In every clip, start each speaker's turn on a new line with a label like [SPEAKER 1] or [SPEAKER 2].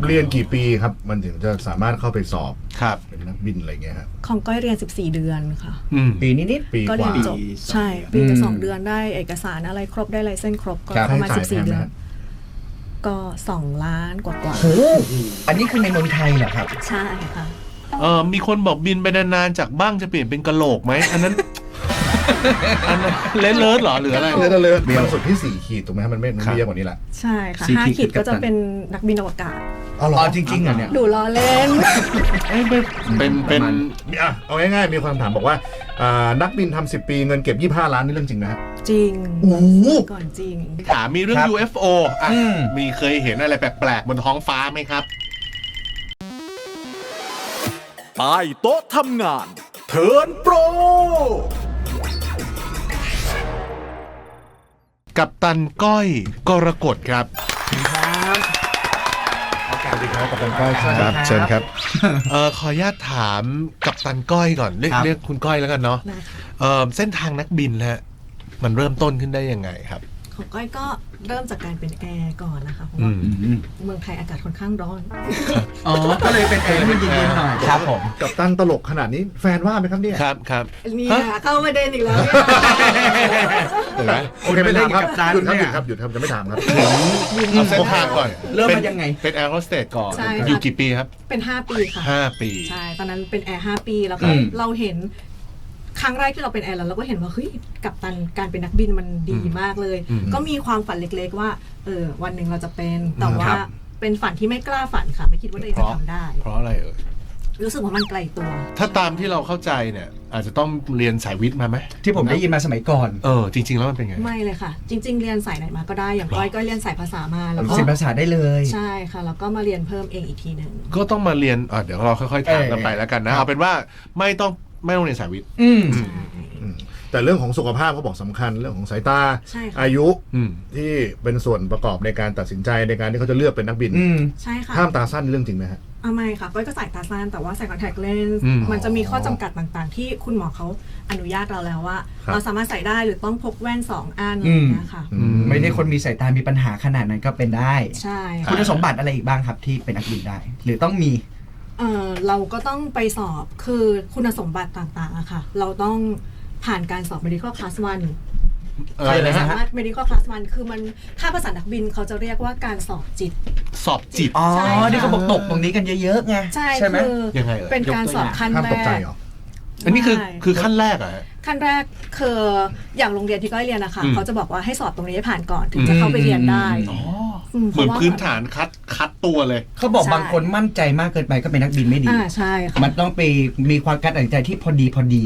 [SPEAKER 1] เรียนกี่ปีครับมันถึงจะสามารถเข้าไปสอบ
[SPEAKER 2] ครับ
[SPEAKER 1] เป็นนักบินอะไรเงี้ยครับ
[SPEAKER 3] ของก้อยเรียน14 เดือนค่ะ
[SPEAKER 4] ปีนิด
[SPEAKER 1] ปี
[SPEAKER 3] ก็
[SPEAKER 1] กว่า
[SPEAKER 3] เรียนจบใช่ปีกับ2 เดือนได้เอกสารอะไรครบได้ไลเซนส์ครบก็ประมาณ14 เดือนก็2 ล้านกว่า
[SPEAKER 4] โอ้อันนี้คือในเมืองไทยเหรอครับ
[SPEAKER 3] ใช่ค่ะ
[SPEAKER 2] มีคนบอกบินไปนานๆจากบ้างจะเปลี่ยนเป็นกะโหลกไหมอันนั้นเลิศเหรอหรืออะไร
[SPEAKER 1] เลิศมันสุดที่4 ขีดถูกไหมมันไม่เยอะกว่านี้แหละ
[SPEAKER 3] ใช่ค่ะ5 ขีดก็จะเป็นนักบินอวกาศ
[SPEAKER 1] อ๋อ
[SPEAKER 4] จริงๆอ่ะเนี่ย
[SPEAKER 3] ดูล้อเล่น
[SPEAKER 2] เป็น
[SPEAKER 1] เอาง่ายๆมีความถามบอกว่านักบินทำ10 ปีเงินเก็บ25 ล้านนี่เรื่องจริงนะ
[SPEAKER 3] จริง
[SPEAKER 1] โอ้
[SPEAKER 3] ก่อนจริง
[SPEAKER 2] ถามมีเรื่อง UFO มีเคยเห็นอะไรแปลกๆบนท้องฟ้าไหมครับ
[SPEAKER 5] ใต้โต๊ะทำงานเทิร์นโปร
[SPEAKER 2] กัปตันก้อยกรกฎครับ
[SPEAKER 1] สวัสดีครับกัปตันก้อย
[SPEAKER 2] ครับเชิญครับขออนุญาตถามกัปตันก้อยก่อนเรียกคุณก้อยแล้วกันเนาะเส้นทางนักบินฮะมันเริ่มต้นขึ้นได้ยังไงครับ
[SPEAKER 3] ของก้อยก็เริ่มจากการเป็นแอร์ก่อนนะคะเพราะว่าเมืองไทยอากาศค่อนข้างร้อน
[SPEAKER 4] ก็เลยเป็นแอร์ที่เย็นๆหน่อยครับผม
[SPEAKER 1] กัปตันตลกขนาดนี้แฟนว่าไหมครับเนี่ย
[SPEAKER 2] ครับ
[SPEAKER 3] นี่เข้าประเด็นอีกแล้ว
[SPEAKER 1] โอเคไม่ถามครับหยุดครับจะไม่ถามครับ
[SPEAKER 2] เอาเส้นทางก่อน
[SPEAKER 4] เริ่มมายังไง
[SPEAKER 2] เป็นแอร์โฮสเตสก่อนอยู่กี่ปีครับ
[SPEAKER 3] เป็น5 ปีค่ะ
[SPEAKER 2] 5 ปี
[SPEAKER 3] ใช่ตอนนั้นเป็นแอร์5 ปีแล้วก็เราเห็นครั้งแรกที่เราเป็นแอร์แล้วเราก็เห็นว่าเฮ้ยกัปตันการเป็นนักบินมันดีมากเลยก็มีความฝันเล็กๆว่าวันหนึ่งเราจะเป็นแต่ว่าเป็นฝันที่ไม่กล้าฝันค่ะไม่คิดว่าตัวเองจะทำได้
[SPEAKER 2] เพราะอะไร
[SPEAKER 3] รู้สึกว่ามันไกลตัว
[SPEAKER 2] ถ้าตามที่เราเข้าใจเนี่ยอาจจะต้องเรียนสายวิทย์มาไหม
[SPEAKER 4] ที่ผมได้ยินมาสมัยก่อน
[SPEAKER 2] จริงๆแล้วมันเป็นไง
[SPEAKER 3] ไม่เลยค่ะจริงๆเรียนสายไหนมาก็ได้อย่างก้อยก็เรียนสายภาษามาแล้วก็
[SPEAKER 4] เรียนภาษาได้เลย
[SPEAKER 3] ใช่ค่ะแล้วก็มาเรียนเพิ่มเองอีกทีนึง
[SPEAKER 2] ก็ต้องมาเรียนเดี๋ยวเราค่อยๆถามกันไปแล้วกันนะเอาเป็นว่าไม่ต้องเรียนสายวิทย์
[SPEAKER 1] แต่เรื่องของสุขภาพเขาบอกสำคัญเรื่องของสายตาอายุที่เป็นส่วนประกอบในการตัดสินใจในการที่เขาจะเลือกเป็นนักบิน
[SPEAKER 3] ใช่ค่ะ
[SPEAKER 1] ห้ามตาสั้นเรื่องจริงไหมฮะ
[SPEAKER 3] ไม่ค่ะก้อยก็ใส่ตาสั้นแต่ว่าใส่คอนแทคเลนส์มันจะมีข้อจำกัดต่างๆที่คุณหมอเขาอนุญาตเราแล้วว่าเราสามารถใส่ได้หรือต้องพกแว่น2 อันอะไรอย่างเงี้ยค่ะ
[SPEAKER 4] ไม่ได้คนมีสายตามีปัญหาขนาดนั้นก็เป็นได้
[SPEAKER 3] ใช่
[SPEAKER 4] คุณสมบัติอะไรอีกบ้างครับที่เป็นนักบินได้หรือต้องมี
[SPEAKER 3] เราก็ต้องไปสอบคือคุณสมบัติต่างๆอะค่ะเราต้องผ่านการสอบ medical class 1สามารถ medical class 1คือมันถ้าภาษานักบินเขาจะเรียกว่าการสอบจิต
[SPEAKER 4] นี่เขาบอกตกตรงนี้กันเยอะๆไง
[SPEAKER 3] ใช่ไหม
[SPEAKER 2] ยังไง
[SPEAKER 3] เป็นการสอบขั้นแรก
[SPEAKER 2] อันนี้คือขั้นแรกอะ
[SPEAKER 3] ขั้นแรกคืออย่างโรงเรียนที่ก้อยเรียนนะคะเขาจะบอกว่าให้สอบตรงนี้ให้ผ่านก่อนถึงจะเข้าไปเรียนได้
[SPEAKER 2] เหมือนพื้นฐานคัดตัวเลย
[SPEAKER 4] เขาบอกบางคนมั่นใจมากเกินไปก็เป็นนักบินไม่ดี
[SPEAKER 3] ใช่ค่ะ
[SPEAKER 4] มันต้องไปมีความการตัดสินใจที่พอดี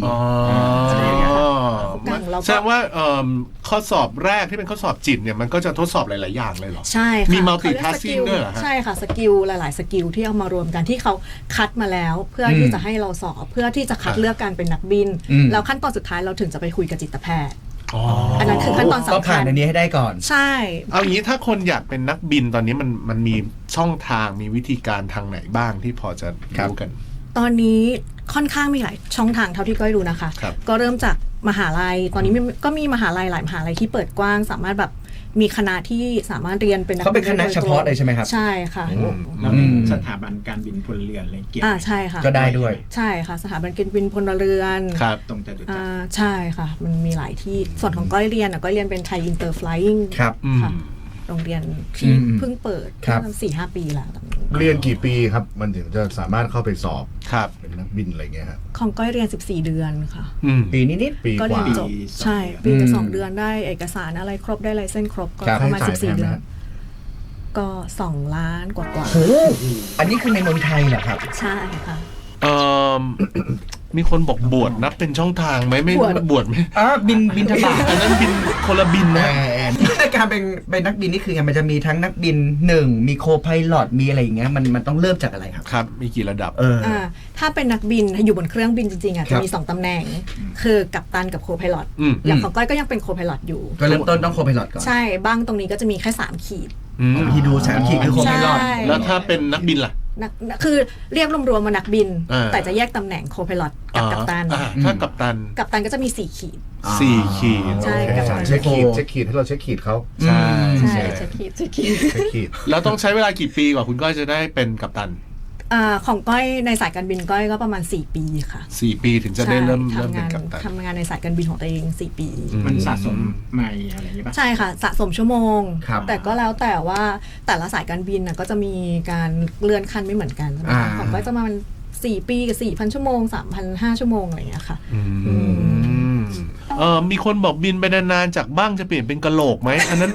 [SPEAKER 2] แสดงว่าข้อสอบแรกที่เป็นข้อสอบจิตเนี่ยมันก็จะทดสอบหลายๆอย่างเลยเหรอ
[SPEAKER 3] ใช่ค่ะ
[SPEAKER 2] มี multitasking ด้วยเหรอ
[SPEAKER 3] ใช่ค่ะสกิลหลายๆสกิลที่เอามารวมกันที่เขาคัดมาแล้วเพื่อที่จะให้เราสอบเพื่อที่จะคัดเลือกการเป็นนักบินแล้วขั้นตอนสุดท้ายเราถึงจะไปคุยกับจิตแพทย์อันนั้นคือขั้นตอนสำคัญ
[SPEAKER 4] ก็ผ่านอันนี้ให้ได้ก่อน
[SPEAKER 3] ใช่
[SPEAKER 2] เอางี้ถ้าคนอยากเป็นนักบินตอนนี้มันมีช่องทางมีวิธีการทางไหนบ้างที่พอจะรู้กัน
[SPEAKER 3] ตอนนี้ค่อนข้างมีหลายช่องทางเท่าที่ก้อยรู้นะคะก็เริ่มจากมหาลัยตอนนี้ก็มีมหาลัยหลายมหาลัยที่เปิดกว้างสามารถแบบมีคณะที่สามารถเรียนเป็น
[SPEAKER 4] เขาเป็นคณะเฉพาะเลยใช่ไหมครับ
[SPEAKER 3] ใช่ค่ะ
[SPEAKER 6] แล้วสถาบันการบินพลเรือนอะไรเกี่ยว
[SPEAKER 3] ใช่ค่ะ
[SPEAKER 4] ก็ได้ด้วย
[SPEAKER 3] ใช่ค่ะสถาบันการบินพลเรือน
[SPEAKER 6] ตรงจตุจักร
[SPEAKER 3] ใช่ค่ะมันมีหลายที่ส่วนของก้อยเรียนก็เรียนเป็นไทยอินเตอร์ฟลายอิง
[SPEAKER 4] ครับ
[SPEAKER 3] โรงเรียนที่เพิ่งเปิด4-5 ปีแล้ว
[SPEAKER 1] เรียนกี่ปีครับมันถึงจะสามารถเข้าไปสอบเป็นนักบินอะไรเงี้ยครับ
[SPEAKER 3] ของก้อยเรียน14 เดือนค่ะ
[SPEAKER 4] ปีนิด
[SPEAKER 1] ปี
[SPEAKER 3] ก็
[SPEAKER 1] เรี
[SPEAKER 3] ยนจบใช่ปีกับ2 เดือนได้เอกสารอะไรครบได้ไลเซนส์ครบก็ประมาณ14 เดือนก็2 ล้านกว่า
[SPEAKER 4] อันนี้คือในเมืองไทยเหรอครับ
[SPEAKER 3] ใช่ค่ะ
[SPEAKER 2] มีคนบอกบวชนับเป็นช่องทางไหมไม่บวชไหม
[SPEAKER 4] บินทบาท
[SPEAKER 2] อันนั้นบินคนละบินนะ
[SPEAKER 4] การเป็นนักบินนี่คือมันจะมีทั้งนักบิน1มีโคไพลอตมีอะไรอย่างเงี้ยมันต้องเริ่มจากอะไรครับ
[SPEAKER 2] มีกี่ระดับ
[SPEAKER 3] ถ้าเป็นนักบินอยู่บนเครื่องบินจริงๆจะมี2 ตำแหน่งคือกัปตันกับโคไพลอตอย่างของก้อยก็ยังเป็นโคไพลอตอยู่
[SPEAKER 4] ก็เริ่มต้นต้องโคไพลอตก่อน
[SPEAKER 3] ใช่บ้างตรงนี้ก็จะมีแค่3 ขีด
[SPEAKER 4] ที่ดู3 ขีดคือโคไพลอต
[SPEAKER 2] แล้วถ้าเป็นนักบินล่ะ
[SPEAKER 3] คือเรียกรวมๆมานักบิน
[SPEAKER 2] อ่า
[SPEAKER 3] แต่จะแยกตำแหน่งโคพายลอตกับกัปตัน
[SPEAKER 2] ถ้ากัปตัน
[SPEAKER 3] กัปตันก็จะมี4 ขีด
[SPEAKER 2] 4 ขีด
[SPEAKER 3] ใช่
[SPEAKER 1] โอเค
[SPEAKER 3] กับตัน
[SPEAKER 1] เช็คขีดให้เราเช็คขีดเขา
[SPEAKER 2] ใช่
[SPEAKER 3] ใช่เช็คขีด
[SPEAKER 1] เช็คขีด
[SPEAKER 2] แล้วต้องใช้เวลากี่ปีกว่าคุณก้อยจะได้เป็นกัปตัน
[SPEAKER 3] ของก้อยในสายการบินก้อยก็ประมาณ4 ปีค่ะ
[SPEAKER 2] 4 ปีถึงจะได้เริ่ม
[SPEAKER 3] ใช่
[SPEAKER 2] เป็นกัปตัน
[SPEAKER 3] ทำงานในสายการบินของตัวเอง4 ปี
[SPEAKER 6] มันสะสมใหม่อะไรอย่างนี้ป่ะ
[SPEAKER 3] ใช่ค่ะสะสมชั่วโมง
[SPEAKER 4] ครับ
[SPEAKER 3] แต่ก็แล้วแต่ว่าแต่ละสายการบินก็จะมีการเลื่อนขั้นไม่เหมือนกันนะคะ
[SPEAKER 4] อ่า
[SPEAKER 3] ของก้อยจะประมาณ4 ปีกับ 4,000 ชั่วโมง 3,500 ชั่วโมงอะไรอย่างเงี้ยค่ะ
[SPEAKER 2] มีคนบอกบินไปนานๆจากบ้างจะเปลี่ยนเป็นกะโหลกไหมอันนั้น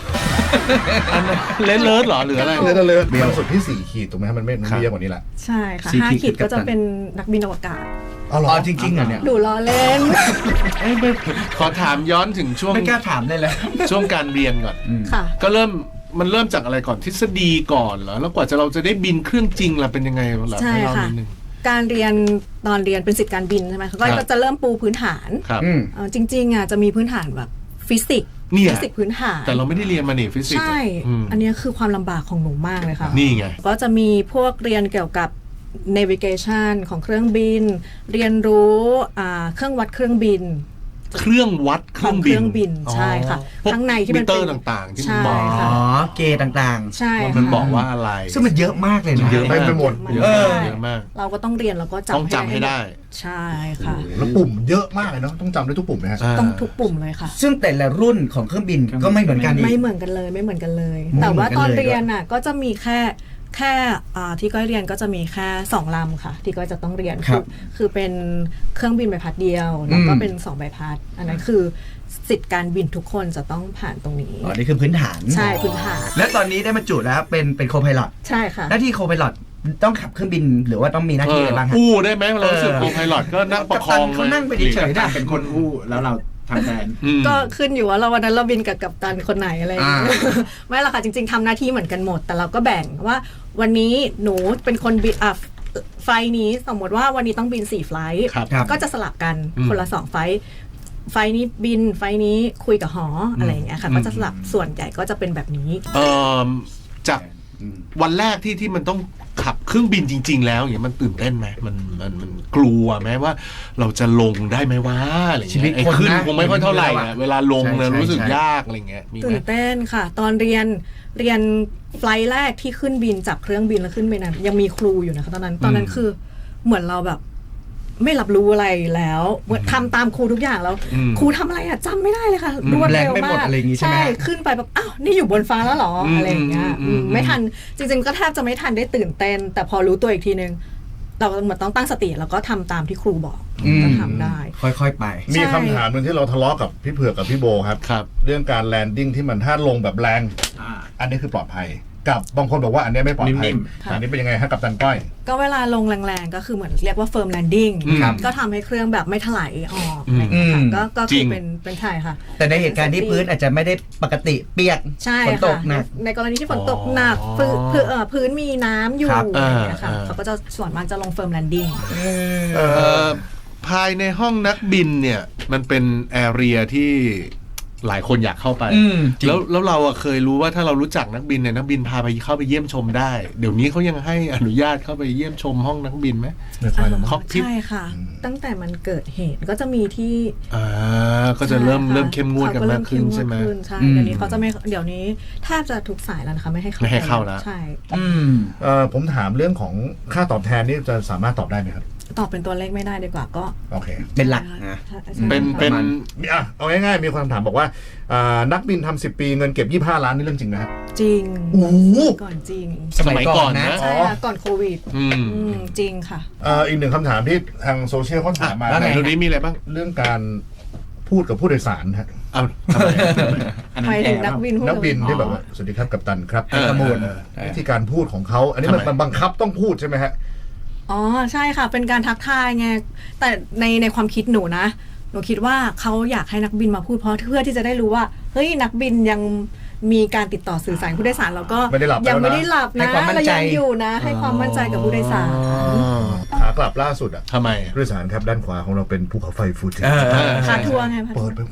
[SPEAKER 2] เลเลิศหรอหรืออะไร
[SPEAKER 1] เลยมีความสุดที่4 ขีดถูกไหมครับมันไม่เยอะกว่านี้แหละ
[SPEAKER 3] ใช่ค่ะ
[SPEAKER 4] 4
[SPEAKER 3] 5 ขีด
[SPEAKER 4] กั
[SPEAKER 3] ก็
[SPEAKER 4] ปตัน
[SPEAKER 3] จะเป็นนักบินอวกาศ
[SPEAKER 1] อ๋อเหรอ
[SPEAKER 4] อ๋อจริงๆเหรอเนี่ย
[SPEAKER 3] ดูล้อเล่น
[SPEAKER 2] ขอถามย้อนถึงช่วง
[SPEAKER 4] ไม่กล้าถามเลยเลย
[SPEAKER 2] ช่วงการเรียนก่อน
[SPEAKER 3] ค่ะ
[SPEAKER 2] ก็เริ่มจากอะไรก่อนทฤษฎีก่อนเหรอแล้วกว่าเราจะได้บินเครื่องจริงล่ะเป็นยังไงล่ะ
[SPEAKER 3] ใช่
[SPEAKER 2] ให้เล่า
[SPEAKER 3] ค่ะ
[SPEAKER 2] นิดนึง
[SPEAKER 3] การเรียนตอนเรียนเป็นศิษย์การบินใช่ไหมคะก็จะเริ่มปูพื้นฐาน
[SPEAKER 2] ครับ
[SPEAKER 3] จริงๆจะมีพื้นฐานแบบฟิสิกส์
[SPEAKER 2] เนี่ย
[SPEAKER 3] ฟิสิกส์พื้นฐาน
[SPEAKER 2] แต่เราไม่ได้เรียนมานี่ฟิสิกส์
[SPEAKER 3] ใช่ อันนี้คือความลำบากของหนูมากเลยค่ะ
[SPEAKER 2] นี่ไง
[SPEAKER 3] ก็จะมีพวกเรียนเกี่ยวกับ navigation ของเครื่องบิน เรียนรู้เครื่องวัดเครื่องบิน
[SPEAKER 2] เครื่องวัดเครื่องบิน
[SPEAKER 3] ของเครื่องบินใช่ค่ะ
[SPEAKER 2] พวก
[SPEAKER 3] ข้างในที่มัน
[SPEAKER 2] มิเตอร์
[SPEAKER 3] เป็น
[SPEAKER 2] ต่างๆ ที่มัน
[SPEAKER 3] ใช่
[SPEAKER 2] บอก
[SPEAKER 3] ค่ะ
[SPEAKER 4] อ๋อ เกย์ต่าง
[SPEAKER 3] ใช่
[SPEAKER 2] ว่า
[SPEAKER 3] ค่ะ
[SPEAKER 2] มันบอกว่าอะไร
[SPEAKER 4] ๆ ซึ่งมันเยอะมากเลยนะ
[SPEAKER 2] เยอะมาก
[SPEAKER 1] ไปหมด
[SPEAKER 2] เยอะ
[SPEAKER 4] เอ
[SPEAKER 2] มาก
[SPEAKER 4] อ
[SPEAKER 2] เยอะมาก
[SPEAKER 3] เราก็ต้องเรียนแล้วก็
[SPEAKER 2] ต้องจำให้ได้
[SPEAKER 3] ใช่ค่ะ
[SPEAKER 1] แล้วปุ่มเยอะมากเลยเนาะต้องจำได้ทุกปุ่มไหมฮะ
[SPEAKER 3] ต้องทุกปุ่มเลยค่ะ
[SPEAKER 4] ซึ่งแต่ละรุ่นของเครื่องบินก็ไม่เหมือนกันอี
[SPEAKER 3] ไม่
[SPEAKER 4] ก
[SPEAKER 3] เหมือนกันเลยไม่เหมือนกันเลย
[SPEAKER 4] ไม่
[SPEAKER 3] แต่
[SPEAKER 4] เหมื
[SPEAKER 3] ว่า
[SPEAKER 4] อนกัน
[SPEAKER 3] ตอน
[SPEAKER 4] เลย
[SPEAKER 3] เรียนก็จะมีแค่ที่ก้อยเรียนก็จะมีแค่2 ลำค่ะ ที่ก้อยจะต้องเรียน
[SPEAKER 4] ครับ
[SPEAKER 3] คือเป็นเครื่องบินใบพัดเดียวแล้วก็เป็น2 ใบพัด อันนั้นคือสิทธิ์การบินทุกคนจะต้องผ่านตรงนี้
[SPEAKER 4] อ๋อ นี่คือพื้นฐาน
[SPEAKER 3] ใช่พื้นฐาน
[SPEAKER 4] และตอนนี้ได้บรรจุแล้วเป็นโคพายลอต
[SPEAKER 3] ใช่ค่ะ
[SPEAKER 4] หน้าที่โคพายลอตต้องขับเครื่องบินหรือว่าต้องมีหน้าที่อะไรบ้างฮะ
[SPEAKER 2] อู้ได้ไหมเรารู้สึกโคไพลอตก็นั่งประคอง
[SPEAKER 4] กัปตันเขานั่งไปเฉยๆ
[SPEAKER 6] แต่เป็นคนอู้แล้วเราทำแทน
[SPEAKER 3] ก็ขึ้นอยู่ว่าเราวันนั้นเราบินกับกัปตันคนไหนอะไรอย่างเงี้ย
[SPEAKER 4] อ่า
[SPEAKER 3] ไม่หรอกค่ะจริงๆทำหน้าที่เหมือนกันหมด แต่เราก็แบ่งว่าวันนี้หนูเป็นคนบินไฟล์นี้สมมติว่าวันนี้ต้องบิน4 ไฟล์
[SPEAKER 2] ครับ
[SPEAKER 4] ครับ
[SPEAKER 3] ก็จะสลับกันคนละ2 ไฟล์ไฟล์นี้บินไฟล์นี้คุยกับหออะไรอย่างเงี้ยค่ะก็จะสลับส่วนใหญ่ก็จะเป็นแบบนี้
[SPEAKER 2] จากวันแรกที่มันต้องขับเครื่องบินจริง ๆ แล้วอย่างเงี้ยมันตื่นเต้นไหมมันกลัวไหมว่าเราจะลงได้ไหมวะอะไรเงี้ย
[SPEAKER 4] ชีวิต
[SPEAKER 2] ไอ้
[SPEAKER 4] คนนะ
[SPEAKER 2] ขึ้นคงไม่ค่อยเท่าไหร่อะเวลาลงเนี่ย
[SPEAKER 4] ใช่
[SPEAKER 2] รู้สึก
[SPEAKER 4] ใช่
[SPEAKER 2] ยากอะไรเงี้ยมีไหม
[SPEAKER 3] ตื่นเต้นค่ะ ตอนเรียนไฟล์แรกที่ขึ้นบินจับเครื่องบินแล้วขึ้นไปนั้นยังมีครูอยู่นะคะตอนนั้นคือเหมือนเราแบบไม่รับรู้อะไรแล้วทำตามครูทุกอย่างแล้ว ครูทำอะไรอะจำไม่ได้เลยค่ะรวดเร็ว
[SPEAKER 4] แรงไม่หม
[SPEAKER 3] มา
[SPEAKER 4] ด
[SPEAKER 3] ก
[SPEAKER 4] อะไรอย่างงี้ใช่ไหม
[SPEAKER 3] ขึ้นไปแบบอ้าวนี่อยู่บนฟ้าแล้วเหรออะไรอย่างเงี้ยไม่ทันจริงๆก็แทบจะไม่ทันได้ตื่นเต้น แต่พอรู้ตัวอีกทีนึงเราเหมือนต้องตั้งสติแล้วก็ทำตามที่ครูบอกก็ทำได้
[SPEAKER 4] ค่อยๆไป
[SPEAKER 1] มีคำถามหนึ่งที่เราทะเลาะกับพี่เผือกกับพี่โบครับ
[SPEAKER 2] ครับ
[SPEAKER 1] เรื่องการแลนดิ้งที่มันถ้าลงแบบแรง อันนี้คือปลอดภัย กับบางคนบอกว่าอันนี้ไม่ปลอดภัย
[SPEAKER 6] นิ่ม
[SPEAKER 1] อันนี้เป็นยังไงฮะกับตันก้อย
[SPEAKER 3] ก็เวลาลงแรงๆก็คือเหมือนเรียกว่า firm landing
[SPEAKER 4] ครับ
[SPEAKER 3] ก็ทำให้เครื่องแบบไม่ถลายออกอะไรอย่างเงี้ยค่ะก็
[SPEAKER 2] จริ
[SPEAKER 3] คือง เป็นใช่ค่ะ
[SPEAKER 4] แต่ในเหตุการณ์ที่พื้นอาจจะไม่ได้ปกติเปียก
[SPEAKER 3] ใช่
[SPEAKER 4] ฝนต
[SPEAKER 3] ค่ะ
[SPEAKER 4] กหนัก
[SPEAKER 3] ในกรณีที่ฝนตกหนักพื้นมีน้ำอยู่
[SPEAKER 4] ครับ
[SPEAKER 3] อะไรอย่างเงี้ยค่ะ
[SPEAKER 2] อ่า
[SPEAKER 3] เขาก็จะส่วนมากจะลง firm landing
[SPEAKER 2] ภายในห้องนักบินเนี่ยมันเป็นแอเรียที่หลายคนอยากเข้าไป
[SPEAKER 4] จริง
[SPEAKER 2] แล้วเราอะเคยรู้ว่าถ้าเรารู้จักนักบินเนี่ยนักบินพาไปเข้าไปเยี่ยมชมได้ เดี๋ยวนี้เขายังให้อนุญาตเข้าไปเยี่ยมชมห้องนักบินไหมคอกพิท
[SPEAKER 3] ใช่ค่ะ ตั้งแต่มันเกิดเหตุก็จะมีที่
[SPEAKER 2] ก็จะเริ่ม
[SPEAKER 3] ใช่ค่ะ
[SPEAKER 2] เข้มงวดกันมากขึ้นใช่ไหม
[SPEAKER 3] เขาก็เริ่เข้งวดขึ้นใช่เดี๋ยวนี้เขาจะไม่เดี๋ยวนี้แทบจะทุกสายแล้วนะคะไม่ให้เข้า
[SPEAKER 2] ไม่ให้เข้าแล้ว
[SPEAKER 3] ใช่
[SPEAKER 1] ผมถามเรื่องของค่าตอบแทนนี่จะสามารถตอบได้ไหมครับ
[SPEAKER 3] ตอบเป็นตัวเลขไม่ได้ดีกว่าก็
[SPEAKER 1] โอเค
[SPEAKER 4] เป็นหลักนะ
[SPEAKER 3] ใช่
[SPEAKER 2] เป็น
[SPEAKER 1] เอาง่ายๆมีคนถามบอกว่านักบินทำ10 ปีเงินเก็บ25 ล้านนี่เรื่องจริงไหมครับ
[SPEAKER 3] จริง
[SPEAKER 1] โอ้โห
[SPEAKER 3] ก่อนจริง
[SPEAKER 2] สมัยก่อนนะ
[SPEAKER 3] ใช่ค่ะก่อนโควิดจริงค่ะ
[SPEAKER 1] อีกหนึ่งคำถามที่ทางโซเชียลเขาถามมา
[SPEAKER 2] แล้วไหนดูนี้มีอะไรบ้าง
[SPEAKER 1] เรื่องการพูดกับผู้โดยสารฮะ
[SPEAKER 2] เอาทำไม
[SPEAKER 6] อันนั้
[SPEAKER 3] ห
[SPEAKER 6] น
[SPEAKER 3] มาย
[SPEAKER 6] แก่
[SPEAKER 3] ถึง
[SPEAKER 6] แล้
[SPEAKER 3] นั
[SPEAKER 6] ว
[SPEAKER 3] กบินพูด
[SPEAKER 1] นักบินที่
[SPEAKER 3] อ๋อ
[SPEAKER 1] แบบว่าสวัสดีครับกัปตันครับ
[SPEAKER 4] กระมูล
[SPEAKER 1] วิธีการพูดของเขาอันนี้มัน
[SPEAKER 2] ทำไม
[SPEAKER 1] บังคับต้องพูดใช่ไหมฮะ
[SPEAKER 3] อ๋อใช่ค่ะ เป็นการทักทายไงแต่ในความคิดหนูนะหนูคิดว่าเขาอยากให้นักบินมาพูดเพราะเพื่อที่จะได้รู้ว่าเฮ้ยนักบินยังมีการติดต่อสื่อสารผู้โดยสารแล้วก็
[SPEAKER 1] ไม่ได้หลับ
[SPEAKER 3] ยังไม่ได้หลับ
[SPEAKER 4] ให้
[SPEAKER 3] นะ
[SPEAKER 4] ความมั่น
[SPEAKER 3] เรา
[SPEAKER 4] ใจ
[SPEAKER 3] ยังอยู่นะ ให้ความมั่นใจกับผู้โดยสาร
[SPEAKER 1] ขากลับล่าสุดอ่ะ
[SPEAKER 2] ทำไม
[SPEAKER 1] ผู้โดยสารครับด้านขวาของเราเป็นภูเขาไฟฟูจิ
[SPEAKER 4] เออ
[SPEAKER 3] พาทัวร์ไงพาทั
[SPEAKER 1] เปิ
[SPEAKER 3] ว
[SPEAKER 1] ด
[SPEAKER 3] ร์
[SPEAKER 1] ไป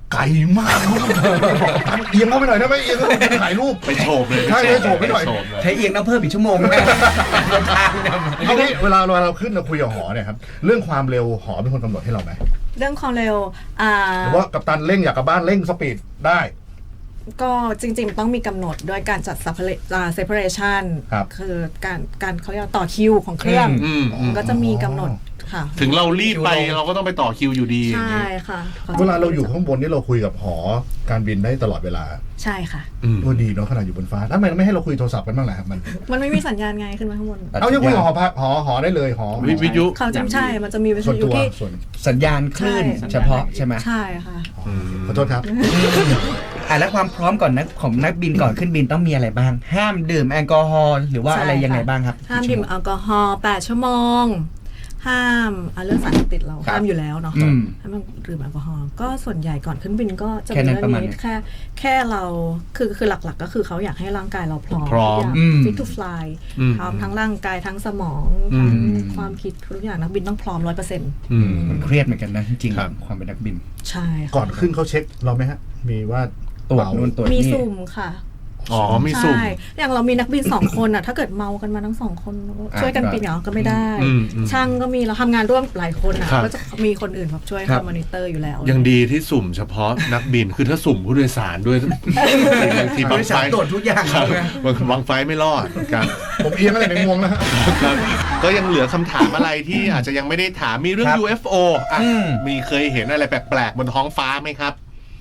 [SPEAKER 1] ไกลมากเอียงเข้าไปหน่อยได้ไหมเอียงเข้าไปถ่ายรูป
[SPEAKER 2] ไปโฉบเลย
[SPEAKER 1] ใช่ไปโฉบไปหน่อย
[SPEAKER 2] โฉบเลย
[SPEAKER 4] ใช้เอียงต้องเพิ่มอีกชั่วโมงนะเดินทางเนี่ย
[SPEAKER 1] ทีนี้เวลาเราขึ้นเราคุยกับหอเนี่ยครับเรื่องความเร็วหอเป็นคนกำหนดให้เราไหม
[SPEAKER 3] เรื่องความเร็ว
[SPEAKER 1] หรือว่ากัปตันเร่งอยากกลับบ้านเร่งสปีดได้
[SPEAKER 3] ก็จริงๆต้องมีกำหนดด้วยการจัด separation
[SPEAKER 1] ครับ
[SPEAKER 3] คือการเขาเรียกว่าต่อคิวของเครื่อง ก็จะมีกำหนดค่ะ
[SPEAKER 2] ถึงเรารีบไปเราก็ต้องไปต่อคิวอยู่ดีอย่าง
[SPEAKER 3] ใช่
[SPEAKER 2] นี้
[SPEAKER 3] ค่ะ
[SPEAKER 1] เวลาเราอยู่ข้างบนนี่เราคุยกับหอการบินได้ตลอดเวลา
[SPEAKER 3] ใช่ค่ะ
[SPEAKER 1] โอ้ดีเนาะขนาดอยู่บนฟ้าทำไมไม่ให้เราคุยโทรศัพท์กันบ้างล่ะครับมัน
[SPEAKER 3] มันไม่มีสัญญาณไงขึ้นมาข้างบน
[SPEAKER 1] เอายังคุยกับหอได้เลยหอ
[SPEAKER 2] วิทยุ
[SPEAKER 3] เขาจะใช่มันจะมีวิ
[SPEAKER 1] ส่
[SPEAKER 3] ท
[SPEAKER 1] วน
[SPEAKER 3] ยุ
[SPEAKER 1] ตัว
[SPEAKER 3] ที่
[SPEAKER 1] ส่วน
[SPEAKER 4] สัญญาณคลื่นเฉพาะใช่ไหม
[SPEAKER 3] ใช่ค่ะ
[SPEAKER 1] ขอโทษครับ
[SPEAKER 4] แล้วความพร้อมก่อนของนักบินก่อนขึ้นบินต้องมีอะไรบ้าง ห้ามดื่มแอลกอฮอล์หรือว่า
[SPEAKER 3] ใช่
[SPEAKER 4] อะไรยังไง
[SPEAKER 3] ค่ะ
[SPEAKER 4] บ้างครับ
[SPEAKER 3] ห้ามดื่มแอลกอฮอล์8 ชั่วโมง ห้ามเรื่องสารเสพติดเรา
[SPEAKER 4] ครับ
[SPEAKER 3] ห้ามอยู่แล้วเนาะ
[SPEAKER 4] อืม
[SPEAKER 3] ห้ามดื่มแอลกอฮอล์ก็ส่วนใหญ่ก่อนขึ้นบินก็จะ
[SPEAKER 4] แค่
[SPEAKER 3] มี
[SPEAKER 4] นั้น
[SPEAKER 3] เรื่
[SPEAKER 4] ประ
[SPEAKER 3] อง
[SPEAKER 4] มาณ
[SPEAKER 3] นี้
[SPEAKER 4] นี้
[SPEAKER 3] แค่เราคือหลักๆก็คือเขาอยากให้ร่างกายเราพร้อม
[SPEAKER 2] พร้อม
[SPEAKER 3] fit to fly พร้อมทั้งร่างกายทั้งสมองทั้งความคิดทุกอย่างนักบินต้องพร้อม 100%
[SPEAKER 4] มันเครียดเหมือนกันนะจริง
[SPEAKER 2] ครับ
[SPEAKER 4] ๆความเป็นนักบิน
[SPEAKER 3] ใช่ค่ะ
[SPEAKER 1] ก่อนขึ้นเขาเช็คเราไหมฮะมีว่า
[SPEAKER 4] ตรวจนู่นตรวจ
[SPEAKER 3] มี
[SPEAKER 4] นี่
[SPEAKER 3] สุ่มค่ะ
[SPEAKER 2] อ๋อมีสุ่ม
[SPEAKER 3] ใช่อย่างเรามีนักบิน 2 คนอ่ะ ถ้าเกิดเมากันมาทั้ง2 คนช่วยกันบินเหรอก็ไม่ได้ ช่างก็มีเราทำงานร่วมหลายคนอ่ะ
[SPEAKER 2] ครับ
[SPEAKER 3] ก็จะมีคนอื่นแบบช่วย
[SPEAKER 4] ครับ
[SPEAKER 3] ทำมอนิเตอร์อยู่แล้ว
[SPEAKER 2] ยังดีที่สุ่มเฉพาะนักบินคือถ้าสุ่มผู้โดยสารด้วยบางที
[SPEAKER 4] ผู้
[SPEAKER 2] บาง
[SPEAKER 4] โดย
[SPEAKER 2] ไฟ
[SPEAKER 4] สารตรวจทุกอย่าง
[SPEAKER 2] ครับ
[SPEAKER 4] นะ
[SPEAKER 2] บางไฟไม่รอดครับ
[SPEAKER 1] ผมเอียงอะไรในงวงนะฮะ
[SPEAKER 2] ครับก็ยังเหลือคำถามอะไรที่อาจจะยังไม่ได้ถามมีเรื่อง
[SPEAKER 4] ครับ
[SPEAKER 2] UFO อ่ะมีเคยเห็นอะไรแปลกๆบนท้องฟ้าไหมครับ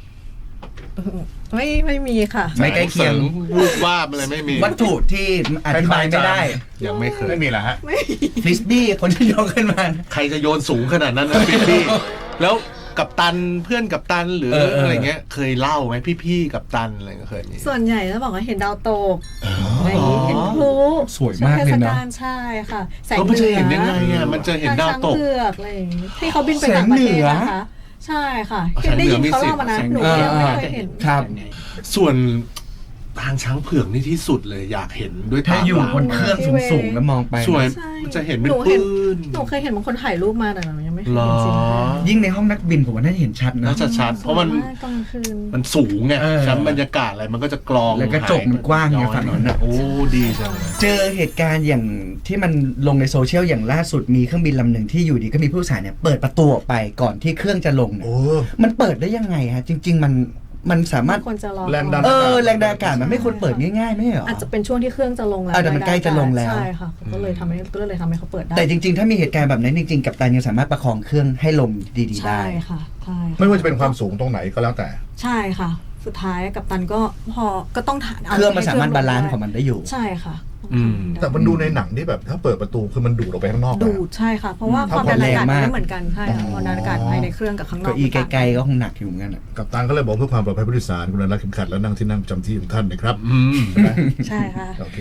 [SPEAKER 3] ไม่มีค่ะ
[SPEAKER 4] ไม่ใกล้เคียง
[SPEAKER 2] รูปวาดอะไรไม่มี
[SPEAKER 4] วัตถุที่อธิบายไม่ได้
[SPEAKER 2] ยังไม่เคย
[SPEAKER 1] ไม่มีเหรอฮะ
[SPEAKER 4] ฟริสบี้คนที่ยกขึ้นมา
[SPEAKER 2] ใครจะโยนสูงขนาดนั้นนะพี่แล้วกับตันเพื่อนกับตันหรืออะไรเงี้ย เคยเล่าไหมพี่ๆกับตันอะไรก็เคยมี
[SPEAKER 3] ส่วนใหญ่จะบอกว่าเห็นดาวตกอะไรอย่างงี้เห็นพลุ
[SPEAKER 4] สวยมากเลยนะ
[SPEAKER 3] เทศกาลใช่ค่ะแสง
[SPEAKER 2] ก็
[SPEAKER 3] เห
[SPEAKER 2] มันจะ
[SPEAKER 3] นือ
[SPEAKER 2] เห็นยังไงอ่ะมันจะเห็นดาวตก
[SPEAKER 3] ช้งเผือกอะไรอย่างงี้ที่เขาบินไปต่างประเทศนะคะ ใช่ค่ะเห็นได้ยินเขาเล่ามานะหนูยังไม่เคยเห็น
[SPEAKER 4] ครับ
[SPEAKER 2] ส่วนทางช้างเผือกนี่ที่สุดเลยอยากเห็นด้วย
[SPEAKER 4] ถ้า
[SPEAKER 2] ตา
[SPEAKER 4] อยู่
[SPEAKER 2] เปล่า
[SPEAKER 4] บนเครื่องสูงๆแล้วมองไป
[SPEAKER 2] สวย
[SPEAKER 3] ใช่
[SPEAKER 2] มันจะเห็นเป็น
[SPEAKER 3] หนู
[SPEAKER 2] ปื
[SPEAKER 3] เห็น
[SPEAKER 2] น
[SPEAKER 3] หนูเคยเห็นบางคนถ่ายรูปมาแต่หนูยังไม่เคย
[SPEAKER 2] หร
[SPEAKER 3] เห็
[SPEAKER 2] อน
[SPEAKER 3] จริงๆ
[SPEAKER 4] ยิ่งในห้องนักบินผมว่าน่าจะเห็นชัดนะ
[SPEAKER 2] น่าจะชัดเพราะมัน
[SPEAKER 3] สวยกกลางคืน
[SPEAKER 2] มันสูงไง
[SPEAKER 4] เออ
[SPEAKER 2] ชั้นบรรยากาศอะไรมันก็จะกรอง
[SPEAKER 4] แล้วกระจกมันกว้างไงฝั่งนั้นน่ะ
[SPEAKER 2] โอ้ดีจังเลย
[SPEAKER 4] เจอเหตุการณ์อย่างที่มันลงในโซเชียลอย่างล่าสุดมีเครื่องบินลำหนึ่งที่อยู่ดีก็มีผู้โดยสารเนี่ยเปิดประตูออกไปก่อนที่เครื่องจะลงเนี่ย
[SPEAKER 1] โอ้
[SPEAKER 4] มันเปิดได้ยังไงฮะจริง ๆ มันสามารถ
[SPEAKER 3] คนจะรอ
[SPEAKER 1] แรงดัน
[SPEAKER 4] แรงดันอากาศมันไม่ควรเปิดง่ายๆไม่ใช่เหรอ
[SPEAKER 3] อาจจะเป็นช่วงที่เครื่องจะลงแล้ว
[SPEAKER 4] แต่มันใกล้จะลงแล้ว
[SPEAKER 3] ใช่ค่ะก็เลยทำให้เขาเปิดได้
[SPEAKER 4] แต่จริง ๆ ถ้ามีเหตุการณ์แบบนั้นจริงๆกัปตันยังสามารถประคองเครื่องให้ลงดีๆได้
[SPEAKER 3] ใช่ค่ะใช่ค่ะ
[SPEAKER 1] ไม่ว่าจะเป็นความสูงตรงไหนก็แล้วแต่
[SPEAKER 3] ใช่ค่ะ สุดท้ายกัปตันก็ก็ต้อง
[SPEAKER 4] เครื่องมันสามารถบาลานซ์ของมันได้อยู่
[SPEAKER 3] ใช่ค่ะ
[SPEAKER 1] แต่มันดูในหนังที่แบบถ้าเปิดประตูคือมันดูดออกไปข้างนอกนะ
[SPEAKER 3] ดูดใช่ค่ะ เพราะว่า
[SPEAKER 4] ถ้า
[SPEAKER 3] ความดันอากาศ
[SPEAKER 4] ความแรงมาก
[SPEAKER 3] ไม่เหมือนกันใช่ค่ะความดันอากาศภายในเครื่องกับข้างนอก
[SPEAKER 4] เก้าอี้
[SPEAKER 3] มันต่าง
[SPEAKER 4] ไกลๆก็คงหนักอยู่เหมือนกันอะ
[SPEAKER 1] กัปตันก็เลยบอกเพื่อความปลอดภัยผู้โดยสารคุณรักเข็มขัดและนั่งที่นั่งประจำที่ของท่านนะครับ ใช่ไหม
[SPEAKER 3] ใช่ค่ะ
[SPEAKER 1] โอเค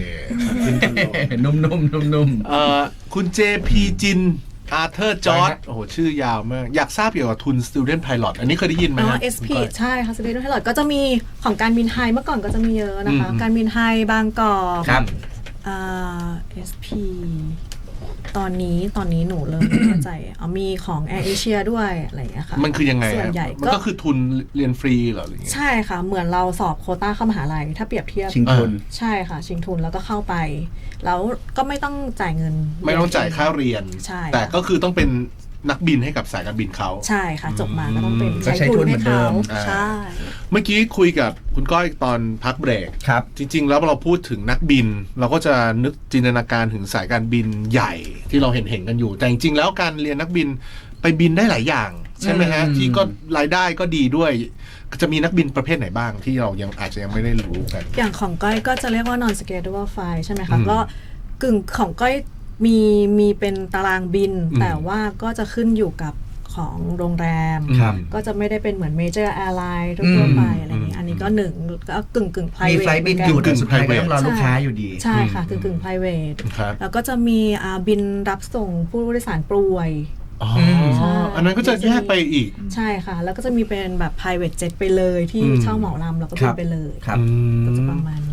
[SPEAKER 4] นุ่ม
[SPEAKER 2] คุณ JP จินอาร์เธอร์จอร์ดโอ้โหชื่อยาวมาก อยากทราบเกี่ยวกับทุน Student Pilot อันนี้เคยได้ยินไหม
[SPEAKER 3] อ๋อ
[SPEAKER 2] ฮะ
[SPEAKER 3] SP ใช่ค่ะสเตทไพลอตก็จะมีของการบินไทยเมื่อก่อนก็จะมีเยอะนะคะ การบินไทยบางกอก
[SPEAKER 4] ครับ
[SPEAKER 3] SP ตอนนี้หนูเริ่มไม่เข้าใจมีของ Air Asia ด้วยอะไรอย่างเงี้ยค่ะ
[SPEAKER 2] มันคือยังไง
[SPEAKER 3] ส่วนใหญ่
[SPEAKER 2] มันก็คือทุนเรียนฟรีเหรอหรือยังไง
[SPEAKER 3] ใช่ค่ะ เหมือนเราสอบโควต้าเข้ามหาลัยถ้าเปรียบเทียบ
[SPEAKER 4] ชิงทุน
[SPEAKER 3] ใช่ค่ะ ชิงทุนแล้วก็เข้าไป แล้วก็ไม่ต้องจ่ายเงิน
[SPEAKER 2] ไม่ต้องจ่ายค่าเรียน
[SPEAKER 3] ใช่
[SPEAKER 2] แต่ก็คือต้องเป็นนักบินให้กับสายการบินเขา
[SPEAKER 3] ใช่ค่ะ จบมาก็ต้องเป็น
[SPEAKER 4] ก็ใช้ทุนเหมือนเดิม
[SPEAKER 3] ใช่
[SPEAKER 2] เมื่อกี้คุยกับคุณก้อยตอนพักเบรก
[SPEAKER 4] ครับ
[SPEAKER 2] จริง ๆ แล้วเราพูดถึงนักบิน เราก็จะนึกจินตนาการถึงสายการบินใหญ่ที่เราเห็นกันอยู่ แต่จริงๆแล้วการเรียนนักบินไปบินได้หลายอย่าง ใช่ไหมฮะ ที่ก็รายได้ก็ดีด้วย จะมีนักบินประเภทไหนบ้างที่เรายังอาจจะยังไม่ได้รู้กัน
[SPEAKER 3] อย่างของก้อยก็จะเรียกว่า non schedule flight ใช่ไหมคะก็กึ่งของก้อยมีเป็นตารางบิน แต่ว่าก็จะขึ้นอยู่กับของโรงแรม
[SPEAKER 4] ครับ
[SPEAKER 3] ก็จะไม่ได้เป็นเหมือน major airline ทั่วๆไปอะไรอย่างนี้อันนี้ก็หนึ่งก็กึ่ง
[SPEAKER 4] มี
[SPEAKER 3] private
[SPEAKER 4] ไฟล์บินอยู่แต่สุดท้ายก็ต้องรอลูกค้าอยู่ดี
[SPEAKER 3] ใช่ค่ะกึ่ง private
[SPEAKER 2] ครับ
[SPEAKER 3] แล้วก็จะมีบินรับส่งผู้โดยสารป่วย
[SPEAKER 2] อ๋อ
[SPEAKER 3] ใช่
[SPEAKER 2] อันนั้นก็จะแยกไปอีก
[SPEAKER 3] ใช่ค่ะ แล้วก็จะมีเป็นแบบ private jet ไปเลยที่เช่าเหมาลำแล้วก็บินไปเลย
[SPEAKER 4] ครับ
[SPEAKER 3] ก็จะประมาณนี้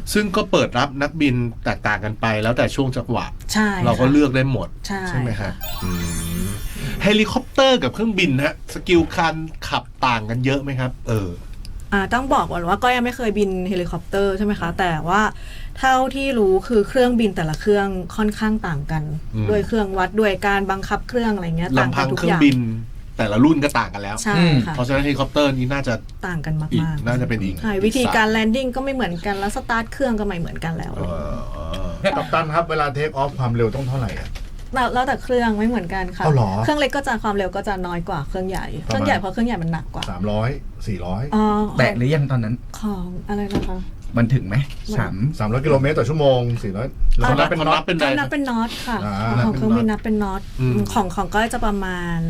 [SPEAKER 2] ซึ่งก็เปิดรับนักบินแตกต่างกันไปแล้วแต่ช่วงจังหวะ
[SPEAKER 3] ใช่
[SPEAKER 2] เราก็
[SPEAKER 3] ค่ะ
[SPEAKER 2] เลือกได้หมด
[SPEAKER 3] ใช่
[SPEAKER 2] ไหมฮะเฮลิคอปเตอร์กับเครื่องบินฮะสกิลการขับต่างกันเยอะไหมครับ
[SPEAKER 3] ต้องบอกก่อนว่าก็ยังไม่เคยบินเฮลิคอปเตอร์ใช่ไหมคะ แต่ว่าเท่าที่รู้คือเครื่องบินแต่ละเครื่องค่อนข้างต่างกัน
[SPEAKER 2] อืม
[SPEAKER 3] ด้วยเครื่องวัดด้วยการบังคับเครื่องอะไรเงี้ยต่าง
[SPEAKER 2] ลำ
[SPEAKER 3] กั
[SPEAKER 2] พั
[SPEAKER 3] น
[SPEAKER 2] ง
[SPEAKER 3] ทุก
[SPEAKER 2] เครื่
[SPEAKER 3] อ
[SPEAKER 2] อง
[SPEAKER 3] ย่าง
[SPEAKER 2] บินแต่ละรุ่นก็ต่างกันแล้ว
[SPEAKER 3] ใช่ค่ะ
[SPEAKER 2] เพราะฉะนั้นเฮลิคอปเตอร์นี้น่าจะ
[SPEAKER 3] ต่างกัน
[SPEAKER 2] อีก
[SPEAKER 3] มาก
[SPEAKER 2] น่าจะเป็นอีก
[SPEAKER 3] ๆใช่วิธีการแลนดิ้งก็ไม่เหมือนกันแล้วสตาร์ทเครื่องก็ไม่เหมือนกันแล้ว
[SPEAKER 1] กัปตันครับเวลาเทคออฟความเร็วต้องเท่าไหร่อ่ะ
[SPEAKER 3] แล้วแต่เครื่องไม่เหมือนกันค่ะ
[SPEAKER 1] เอาเหรอ
[SPEAKER 3] เครื่องเล็กก็จะความเร็วก็จะน้อยกว่าเครื่องใหญ่เครื่องใหญ่เพราะเครื่องใหญ่มันหนักกว่า
[SPEAKER 1] 300 400
[SPEAKER 3] อ๋อ
[SPEAKER 4] แตะหรือยังตอนนั้น
[SPEAKER 3] ของอะไรนะคะ
[SPEAKER 4] มันถึงไหม
[SPEAKER 1] 300 กิโลเมตรต่อชั่วโมง 400แล้วนับเป็นน็อต
[SPEAKER 2] เป็นไร
[SPEAKER 3] นับเป็นน็อตค่ะ
[SPEAKER 1] อ่า
[SPEAKER 3] ของเครื่องบินนับเป็นน็อต
[SPEAKER 2] อืม
[SPEAKER 3] ของก็จะประมาณ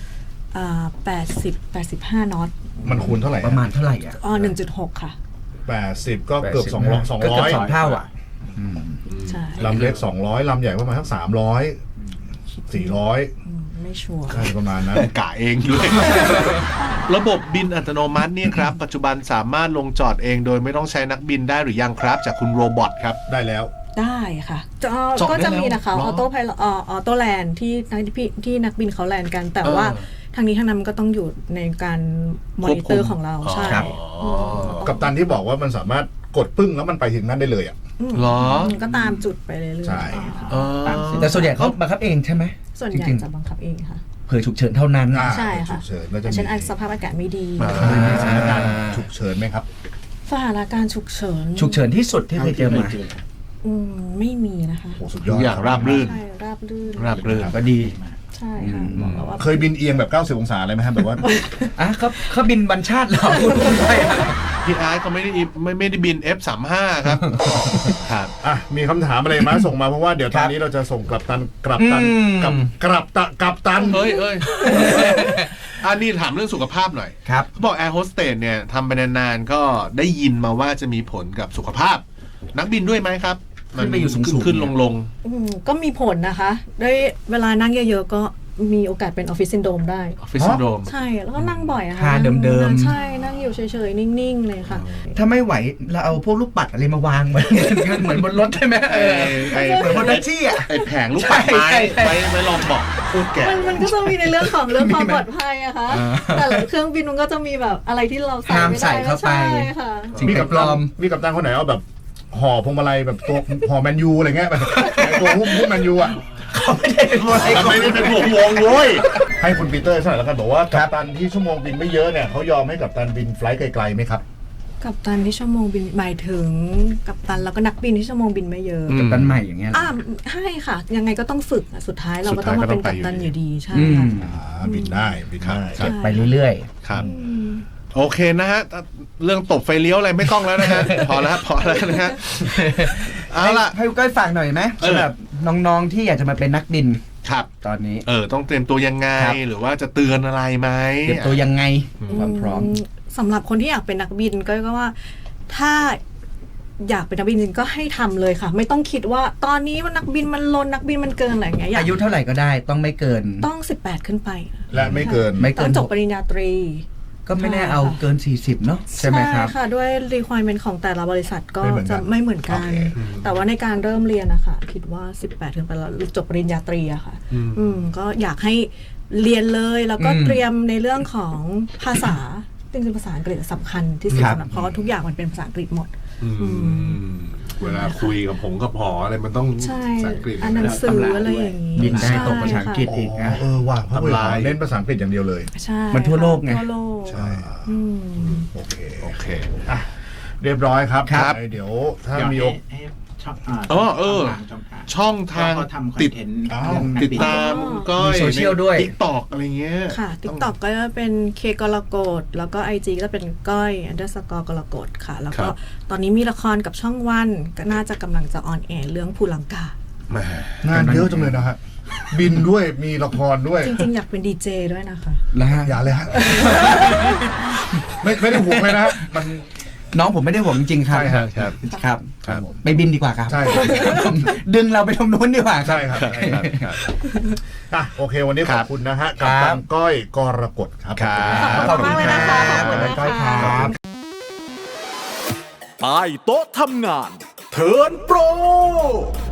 [SPEAKER 3] 85น็อต
[SPEAKER 1] มันคูณเท่าไหร่
[SPEAKER 4] ประมาณเท่าไหร่อ่ะ
[SPEAKER 3] 1.6 ค่ะ
[SPEAKER 1] 80 ก็เกือบ 200
[SPEAKER 4] ก็เกือบ2 เท่าอ่ะ
[SPEAKER 3] ใช่
[SPEAKER 1] ลำเล็ก 200 ลำใหญ่ประมาณสัก300 400
[SPEAKER 3] ไม่ชัวร์
[SPEAKER 1] ใช่ประมาณนั้น
[SPEAKER 2] กะเองด้วย ระบบบินอัตโนมัติเนี่ยครับ ปัจจุบันสามารถลงจอดเองโดยไม่ต้องใช้นักบินได้หรือยังครับ จากคุณโรบอทครับ
[SPEAKER 1] ได้แล้ว
[SPEAKER 3] ได้ค่ะ
[SPEAKER 2] จอด
[SPEAKER 3] ก็จะ
[SPEAKER 2] ได้แล้ว
[SPEAKER 3] มีนะคะ
[SPEAKER 2] เหรอ
[SPEAKER 3] ออโต้ไพลออโต้แลนด์ที่นักบินเขาแลนด์กัน แต่ว่าทางนี้ทางนั้นมันก็ต้องอยู่ในการมอนิเตอร์ของเราใช่
[SPEAKER 4] ครับ
[SPEAKER 1] กัปตันที่บอกว่ามันสามารถกดปึ้งแล้วมันไปถึงนั้นได้เลยอ่ะ
[SPEAKER 2] เหรอ
[SPEAKER 3] ก็ตามจุดไปเรื่อยๆ
[SPEAKER 1] ใช่
[SPEAKER 3] ค่ะ
[SPEAKER 4] แต่ส่วนใหญ่เขาบังคับเองใช่ไหม
[SPEAKER 3] ส่วนใหญ่
[SPEAKER 4] จริง
[SPEAKER 3] จะบังคับเองค่ะ
[SPEAKER 4] ๆเผื่อฉุกเฉินเท่านั้น
[SPEAKER 3] ใช่ค่ะ
[SPEAKER 1] ฉุกเฉินก็จะ
[SPEAKER 3] อย่าง
[SPEAKER 1] มี
[SPEAKER 3] เช่นสภาพอากาศไม่ดี
[SPEAKER 1] มีสถานการณ์ฉุกเฉินไหมครับ
[SPEAKER 3] สถานการณ์ฉุกเฉิน
[SPEAKER 4] ฉุกเฉินที่สุดที่เคยเจอมา
[SPEAKER 3] ไม่มีนะคะ
[SPEAKER 1] โอ้สุดย
[SPEAKER 2] ทุ
[SPEAKER 1] อด
[SPEAKER 2] กอย่างราบรื่น
[SPEAKER 3] ใช่ราบรื่น
[SPEAKER 2] ราบรื่น
[SPEAKER 4] ก็ดี
[SPEAKER 3] ใช่ค่ะบอกแล้วว่า
[SPEAKER 1] เคยบินเอียงแบบ 90 องศาเลยไหมครับแบบว่า
[SPEAKER 4] อ่ะเขาบินบัญชาติเหรอพูดไปอ่ะ
[SPEAKER 2] พี่อาร์ตก็ไม่ได้บิน F35 ครับครับ
[SPEAKER 1] อ่ะมีคำถามอะไรมาส่งมาเพราะว่าเดี๋ยวตอนนี้เราจะส่งกลับตันกับตัน
[SPEAKER 2] เอ้ย อันนี้ถามเรื่องสุขภาพหน่อย
[SPEAKER 4] ครับ
[SPEAKER 2] เขาบอกแอร์โฮสเตสเนี่ยทำไปนานๆก็ได้ยินมาว่าจะมีผลกับสุขภาพ นักบินด้วยไหมครับ
[SPEAKER 4] ขึ้นไปอยู่สูงๆ
[SPEAKER 2] ขึ้นลง
[SPEAKER 3] ก็มีผลนะคะด้วยเวลานั่งเยอะๆก็มีโอกาสเป็นออฟฟิศซินโดรมได้
[SPEAKER 2] ออฟฟิศซินโดรม
[SPEAKER 3] ใช่แล้วก็นั่งบ่อยอะค่ะ
[SPEAKER 4] ท่าเดิมๆ
[SPEAKER 3] ใช่นั่งอยู่เฉยๆ นิ่งๆ เลยค่ะ
[SPEAKER 4] ถ้าไม่ไหวเราเอาพวกลูกปัดอะไรมาวางเหมือนบนรถใช่ไหมเหมือนบนแท็กซี่อ่ะ
[SPEAKER 2] ไอแผงลูกปัดไม้
[SPEAKER 4] ใช่
[SPEAKER 2] ไว้ลองบอกพูดแก่
[SPEAKER 3] มันก็จะมีในเรื่องของเรื่องความปลอดภัยอะค่ะแต่ละเครื่องบินมันก็จะมีแบบอะไรที่เราใส่
[SPEAKER 4] ห้าม
[SPEAKER 3] ไม่
[SPEAKER 4] ใส่
[SPEAKER 3] ได้
[SPEAKER 4] เข้าไป
[SPEAKER 3] ใช่ค่ะ
[SPEAKER 4] สิ่งแปลกปลอม
[SPEAKER 1] มีกัปตันคนไหนเอาแบบห่อพวงมาลัยแบบตัวห่อแมนยูอะไรเงี้ยแบบตัวหุ้มแมนยูอ่ะ
[SPEAKER 4] เขาไม่ได้เป็นอะไร
[SPEAKER 1] แต่ไม่ได้เป็นวงโว้ยให้คุณปีเตอร์สักหน่อยแล้วกันบอกว่ากัปตันที่ชั่วโมงบินไม่เยอะเนี่ยเขายอมให้กัปตันบินไฟลท์ไกลๆไหมครับ
[SPEAKER 3] กับตันที่ชั่วโมงบินหมายถึงกับตันแล้วก็นักบินที่ชั่วโมงบินไม่เยอะ
[SPEAKER 2] อืม
[SPEAKER 4] กัปตันใหม่อย่างเงี้ยเหรอ
[SPEAKER 3] ให้ค่ะ ยังไงก็ต้องฝึกอะสุดท้ายเราก็ต้องมาเป็นกัปตันอยู่ดีใช่
[SPEAKER 4] อื
[SPEAKER 3] ค่ะ
[SPEAKER 4] ม
[SPEAKER 1] บินได้บินได้
[SPEAKER 3] ใช่
[SPEAKER 4] ไปเรื่อย
[SPEAKER 2] ครับ โอเคนะฮะ เรื่องตบไฟเลี้ยวอะไรไม่ต้องแล้วนะฮะ พอแล้วนะฮะ
[SPEAKER 4] ๆ
[SPEAKER 2] เอาล่ะ
[SPEAKER 4] ให้ก้อยฝากหน่อยไหมสำหรับน้องๆที่อยากจะมาเป็นนักบิน
[SPEAKER 2] ครับ
[SPEAKER 4] ตอนนี้
[SPEAKER 2] ต้องเตรียมตัวยังไง
[SPEAKER 4] ครับ
[SPEAKER 2] หรือว่าจะเตือนอะไรไหม
[SPEAKER 4] เตรียมตัวยังไงความพร้อม
[SPEAKER 3] สำหรับคนที่อยากเป็นนักบินก็ว่าถ้าอยากเป็นนักบินจริงก็ให้ทำเลยค่ะ ไม่ต้องคิดว่าตอนนี้ว่านักบินมันล้นนักบินมันเกินอะไรอย่างเงี้ยอยาก
[SPEAKER 4] อายุเท่าไหร่ก็ได้ต้องไม่เกิน
[SPEAKER 3] ต้อง18ขึ้นไป
[SPEAKER 1] และไม่เกิน
[SPEAKER 4] ไม่
[SPEAKER 3] ต้
[SPEAKER 4] เกิ
[SPEAKER 3] อง
[SPEAKER 4] น
[SPEAKER 3] จบปริญญาตรี
[SPEAKER 4] ก็ไม่แน่เอาเกิน 40 เนาะใช่ไหมครับ
[SPEAKER 3] ค่ะด้วย requirement ของแต่ละบริษัทก็
[SPEAKER 1] ไม่เหมือนกัน
[SPEAKER 3] จะไม่เหมือนกัน
[SPEAKER 1] โอเค
[SPEAKER 3] แต่ว่าในการเริ่มเรียนนะคะคิดว่า18ขึ้นไปแล้วจบปริญญาตรีอะค่ะก็อยากให้เรียนเลยแล้วก็
[SPEAKER 4] อืม
[SPEAKER 3] เตรียมในเรื่องของภาษาจริงๆภาษาอังกฤษสำคัญที่สุด
[SPEAKER 4] ครับ
[SPEAKER 3] สำหรับเพราะว่าทุกอย่างมันเป็นภาษาอังกฤษหมด
[SPEAKER 2] เวลาคุยกับผมกับหออะไรมันต้อง
[SPEAKER 3] ใช่
[SPEAKER 2] ภาษาอังกฤษ
[SPEAKER 3] อ่านหนังสืออะไรอย่างนี้
[SPEAKER 4] บินได้ตกภาษาอังกฤษ
[SPEAKER 3] ใช่
[SPEAKER 4] อีกนะ
[SPEAKER 1] ว่ะเพราะว่าเล่นภาษาอังกฤษอย่างเดียวเลย
[SPEAKER 3] ใช่
[SPEAKER 4] มันทั่วโลกไง
[SPEAKER 3] ทั่วโลก
[SPEAKER 1] ใช่
[SPEAKER 3] อืม
[SPEAKER 1] โอเค
[SPEAKER 2] โอเค
[SPEAKER 1] อ่ะเรียบร้อยครับ
[SPEAKER 2] ครับ
[SPEAKER 1] เดี๋ยวถ้า
[SPEAKER 6] เดี๋ยว
[SPEAKER 1] มี
[SPEAKER 6] ให้ช่อง
[SPEAKER 2] ช่องทาง
[SPEAKER 6] เขาทำคอน
[SPEAKER 2] ติด
[SPEAKER 6] เทนต์
[SPEAKER 1] อ้าว
[SPEAKER 6] เรื่องนัก
[SPEAKER 2] ติด
[SPEAKER 6] บิน
[SPEAKER 2] ตามก็
[SPEAKER 4] มีโซเชียลด้วย
[SPEAKER 2] ติ๊กตอกอะไรเงี้ย
[SPEAKER 3] ค่ะ TikTok ก็จะเป็นเคกรกฎแล้วก็ IG ก็จะเป็นก้อย _ กรกฎค่ะ แล้วก็ตอนนี้มีละครกับช่องวันก็น่าจะกำลังจะออนแอร์เรื่องภูลังกา
[SPEAKER 2] แหม
[SPEAKER 1] งานเยอะจังเลยนะฮะบินด้วยมีละครด้วย
[SPEAKER 3] จริงๆ อยากเป็นดีเจด้วยนะคะ
[SPEAKER 4] แล้วฮะ
[SPEAKER 1] อย่าเลยฮะ ไม่ได้ห่วงเลยนะฮะมัน
[SPEAKER 4] น้องผมไม่ได้ห่วงจริงๆครับ
[SPEAKER 1] ใช่ครับ
[SPEAKER 2] ครับ
[SPEAKER 4] ครับ
[SPEAKER 2] ครับ
[SPEAKER 4] ไปบินดีกว่าครับ
[SPEAKER 1] ใช่
[SPEAKER 4] ดึงเราไปตรงนู้นดีกว่าครับ
[SPEAKER 1] ใช่ครับ
[SPEAKER 2] ครับ
[SPEAKER 1] อ่ะโอเค วันนี้ข
[SPEAKER 2] ครั
[SPEAKER 1] อ
[SPEAKER 2] บบ
[SPEAKER 1] คุณนะฮะกับตันก้อยกรกฎครับ
[SPEAKER 2] ครับ
[SPEAKER 3] ขอบคุณมากเลยนะคะ ขอบคุณนะ
[SPEAKER 4] ก้อยค
[SPEAKER 3] คะ
[SPEAKER 4] รับ
[SPEAKER 5] ใต้โต๊ะทำงานเทิร์นโปร